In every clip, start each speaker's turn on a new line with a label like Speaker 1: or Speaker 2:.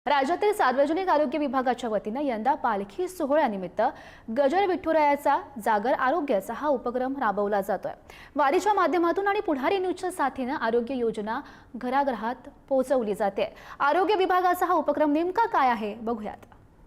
Speaker 1: राज्यातील सार्वजनिक आरोग्य विभागाच्या वतीने यंदा पालखी सोहळ्यानिमित्त गजर विठुरायाचा जागर आरोग्याचा हा उपक्रम राबवला जातोय। वारीच्या माध्यमातून आणि पुढारी न्यूजच्या साथीने आरोग्य योजना घराघरात पोहोचवली जाते। आरोग्य विभागाचा हा उपक्रम नेमका काय आहे बघूयात।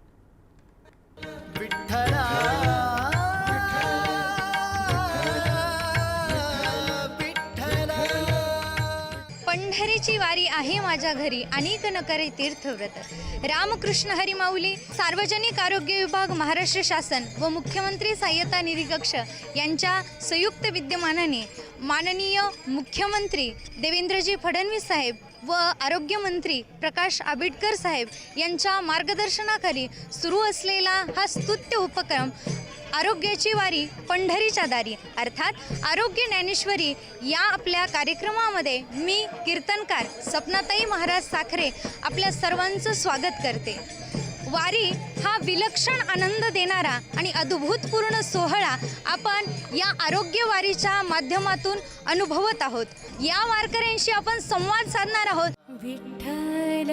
Speaker 2: पंढरीची वारी आहे माझ्या घरी, अनेक न करे तीर्थव्रत। रामकृष्ण हरी माऊली सार्वजनिक आरोग्य विभाग महाराष्ट्र शासन व मुख्यमंत्री सहाय्यता निधी कक्ष यांच्या संयुक्त विद्यमानाने माननीय मुख्यमंत्री देवेंद्रजी फडणवीस साहेब व आरोग्यमंत्री प्रकाश आंबेडकर साहेब यांच्या मार्गदर्शनाखाली सुरू असलेला हा स्तुत्य उपक्रम आरोग्याची वारी पंढरीच्या दारी अर्थात आरोग्य ज्ञानेश्वरी या आपल्या कार्यक्रमामध्ये मी कीर्तनकार सपनाताई महाराज साखरे आपल्या सर्वांचं स्वागत करते। वारी हा विलक्षण आनंद देणारा आणि अद्भुतपूर्ण सोहळा आपण या आरोग्य वारीच्या माध्यमातून अनुभवत आहोत। या वारकऱ्यांशी आपण संवाद साधणार आहोत। विठ्ठल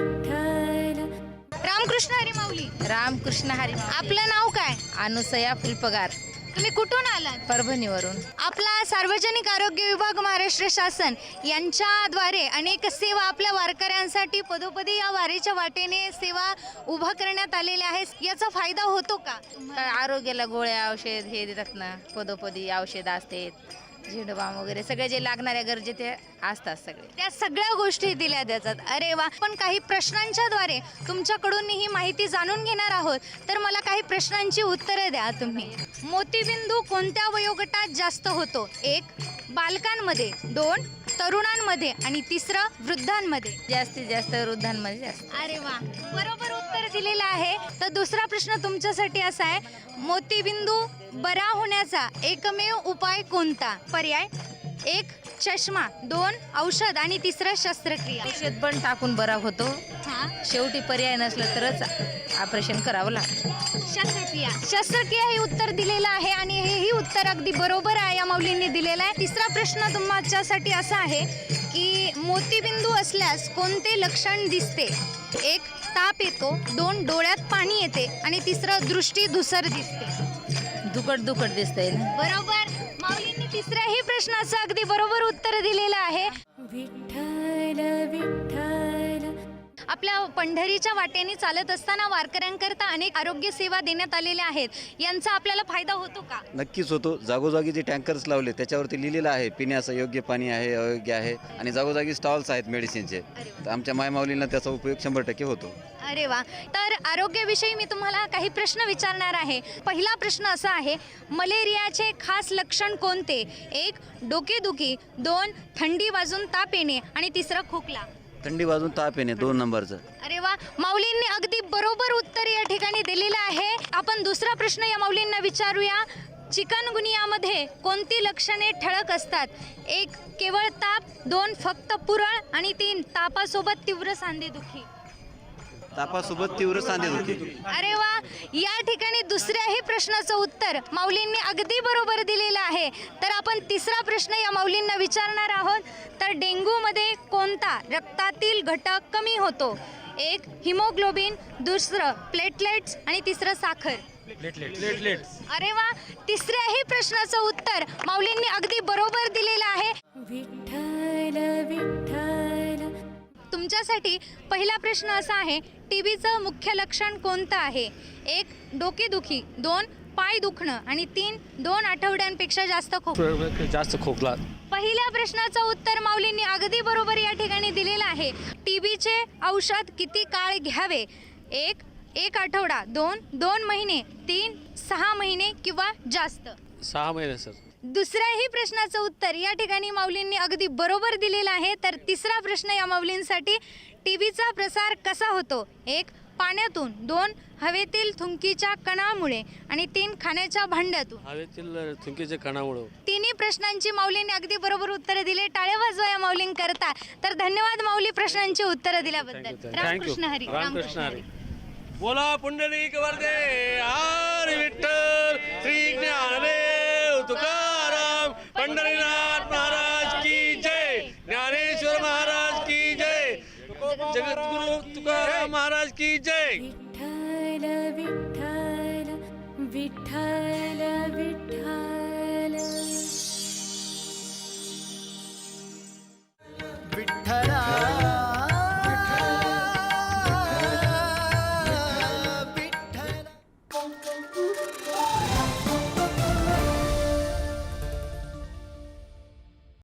Speaker 2: विठ्ठल रामकृष्ण हरी माऊली।
Speaker 3: रामकृष्ण हरी माऊली।
Speaker 2: आपलं नाव काय?
Speaker 3: अनुसया फुलपगार।
Speaker 2: तुम्ही कुठून आलात?
Speaker 3: परभणीवरून।
Speaker 2: आपला सार्वजनिक आरोग्य विभाग महाराष्ट्र शासन यांच्याद्वारे अनेक सेवा आपल्या वारकऱ्यांसाठी पदोपदी या वारीच्या वाटेने सेवा उभा करण्यात आलेल्या आहेत। याचा फायदा होतो का?
Speaker 3: आरोग्याला गोळ्या औषध हे देतात ना, पदोपदी औषध असतात, झेंडूबाम वगैरे सगळे जे लागणाऱ्या गरजे ते असतात सगळे,
Speaker 2: त्या सगळ्या गोष्टी दिल्या जातात। अरे वा। पण काही प्रश्नांच्या द्वारे तुमच्याकडून ही माहिती जाणून घेणार आहोत, तर मला काही प्रश्नांची उत्तरे द्या तुम्ही। मोतीबिंदू कोणत्या वयोगटात जास्त होतो? 1 बालकांमध्ये, 2 तरुणांमध्ये आणि 3 वृद्धांमध्ये।
Speaker 3: जास्तीत जास्त वृद्धांमध्ये जास्त।
Speaker 2: अरे वा, बरोबर उत्तर दिलेलं आहे। तर दुसरा प्रश्न तुमच्यासाठी असा आहे, मोतीबिंदू बरा होण्याचा एकमेव उपाय कोणता? पर्याय 1 चष्मा, 2 औषध आणि 3 शस्त्रक्रिया।
Speaker 3: औषध पण टाकून बरा होतो, शेवटी पर्याय नसलं तरच ऑपरेशन करावं लागतं।
Speaker 2: शस्त्रक्रिया हे उत्तर दिलेलं आहे आणि हेही उत्तर अगदी बरोबर आहे, या माऊलींनी दिलेलं आहे। तिसरा प्रश्न तुमच्यासाठी असा आहे की मोतीबिंदू असल्यास कोणते लक्षण दिसते? 1 ताप येतो, 2 डोळ्यात पाणी येते आणि 3 दृष्टी धुसर दिसते।
Speaker 3: दुखट दुखट दिसतंय।
Speaker 2: बरोबर, माऊलींनी तिसऱ्याही प्रश्नाचं अगदी बरोबर उत्तर दिलेलं आहे। विठ्ठल विठ्ठल। आपल्या पंढरीच्या वाटेने चालत असताना वारकऱ्यांकरता अनेक आरोग्य सेवा देण्यात आलेल्या आहेत, यांचा आपल्याला फायदा होतो का?
Speaker 4: नक्कीच होतो। जागोजागी जे टँकर्स लावले त्याच्यावरती लिहिलेलं आहे पिण्याचं योग्य पाणी आहे, अयोग्य आहे आणि जागोजागी स्टॉल्स आहेत मेडिसिनचे, तर आमच्या मायमाऊलींना त्याचा उपयोग 100% होतो।
Speaker 2: अरे वा। तर आरोग्याविषयी मी तुम्हाला काही प्रश्न विचारणार आहे। पहिला प्रश्न असा आहे, मलेरियाचे खास लक्षण कोणते? 1 डोकेदुखी, 2 थंडी वाजून ताप येणे आणि 3 खोकला।
Speaker 4: थंडी वाजून ताप येणे 2 नंबरचं।
Speaker 2: अरे वा, माऊलींनी अगदी बरोबर उत्तर या ठिकाणी दिलेलं आहे। आपण दुसरा प्रश्न या माऊलींना विचारूया। चिकनगुनियामध्ये कोणती लक्षणे ठळक असतात? 1 केवळ ताप, 2 फक्त पुरळ आणि 3 तापासोबत तीव्र सांधेदुखी।
Speaker 4: तापासोबत तीव्र सांधेदुखी।
Speaker 2: अरे वा, या ठिकाणी दुसऱ्याही प्रश्नाचं उत्तर माऊलींनी अगदी बरोबर दिलेलं आहे। तर आपण तिसरा प्रश्न या माऊलींना विचारणार आहोत। तर डेंग्यूमध्ये कोणता रक्तातील घटक कमी होतो? 1 हिमोग्लोबिन, 2 प्लेटलेट्स आणि 3 साखर।
Speaker 5: प्लेटलेट्स।
Speaker 2: अरे वा, तिसऱ्याही प्रश्नाचं उत्तर माऊलींनी अगदी बरोबर दिलेलं आहे। विठ्ठल विठ्ठल। तुमच्यासाठी पहिला प्रश्न असा आहे, टीबीचं मुख्य लक्षण कोणतं आहे? 1 डोकेदुखी, 2 पाय दुखणं आणि 3 2 आठवड्यांपेक्षा जास्त
Speaker 5: खोकला।
Speaker 2: पहिल्या प्रश्नाचं उत्तर माऊलींनी अगदी बरोबर या ठिकाणी दिलेलं आहे। टीबीचे औषध किती काळ घ्यावे? 1 आठवडा, 2 महिने, 3 6 महिने किंवा जास्त?
Speaker 5: 6 महिने सर।
Speaker 2: दुसऱ्याही प्रश्नाचं उत्तर या ठिकाणी माऊलींनी अगदी बरोबर दिलेलं आहे। तर तिसरा प्रश्न या माऊलींसाठी, टीबीचा प्रसार कसा होतो? 1 पाण्यातून, 2 हवेतील थुंकीच्या कणामुळे आणि 3 खाण्याच्या भांड्यातून।
Speaker 5: हवेतील थुंकीच्या कणामुळे।
Speaker 2: तिन्ही प्रश्नांची माऊलींनी अगदी बरोबर उत्तरे दिले। टाळ्या वाजवा या माऊलींकरता। तर धन्यवाद माऊली प्रश्नांची उत्तरं दिल्याबद्दल। रामकृष्ण हरी।
Speaker 5: रामकृष्ण हरी। बोला पुंडलिक वरदे हरी विठ्ठल श्री ज्ञानदेव तुकाराम पंढरीनाथ महाराज की जय, ज्ञानेश्वर महाराज की जय, जगद्गुरु तुकाराम महाराज महाराज की जय.
Speaker 6: विठ्ठल विठ्ठल विठ्ठल